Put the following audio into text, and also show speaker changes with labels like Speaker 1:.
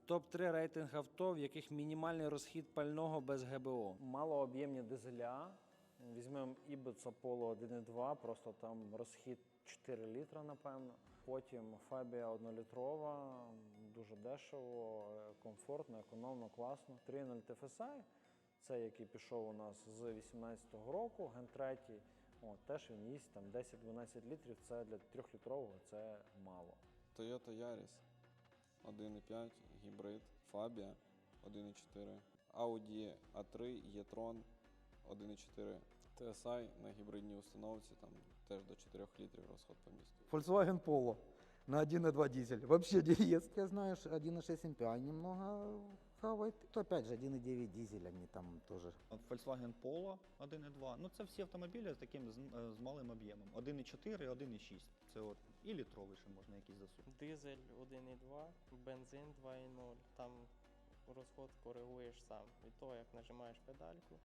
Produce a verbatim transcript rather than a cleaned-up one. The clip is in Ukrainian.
Speaker 1: топ три рейтинг авто, в яких мінімальний розхід пального без ге бе о. Малооб'ємні дизеля. Візьмемо Ібіца Polo один і два, просто там розхід чотири літра, напевно. Потім Фабія однолітрова, дуже дешево, комфортно, економно, класно. три нуль Ті Еф Ес Ай, це який пішов у нас з вісімнадцятого року, ген три. О, теж він їсть там десять-дванадцять літрів, це для трьохлітрового це мало.
Speaker 2: Toyota Yaris один і п'ять, гібрид, Fabia один і чотири, Audi а три, e-tron один і чотири, Ті Ес Ай на гібридній установці, там теж до чотирьох літрів розход по місту.
Speaker 3: Volkswagen Polo на один и два дизель. Вообще диез. Я знаю, что один и шесть эм пи ай немного хавает. То опять же один и девять дизель, они там тоже.
Speaker 4: Volkswagen Polo один і два. Ну це всі автомобілі з таким з, з малим об'ємом. один і чотири, один і шість. Це от і літровий ще можна якийсь засунути.
Speaker 5: Дизель один і два, бензин два і нуль. Там розход коригуєш сам. Від того, як нажимаєш педальку,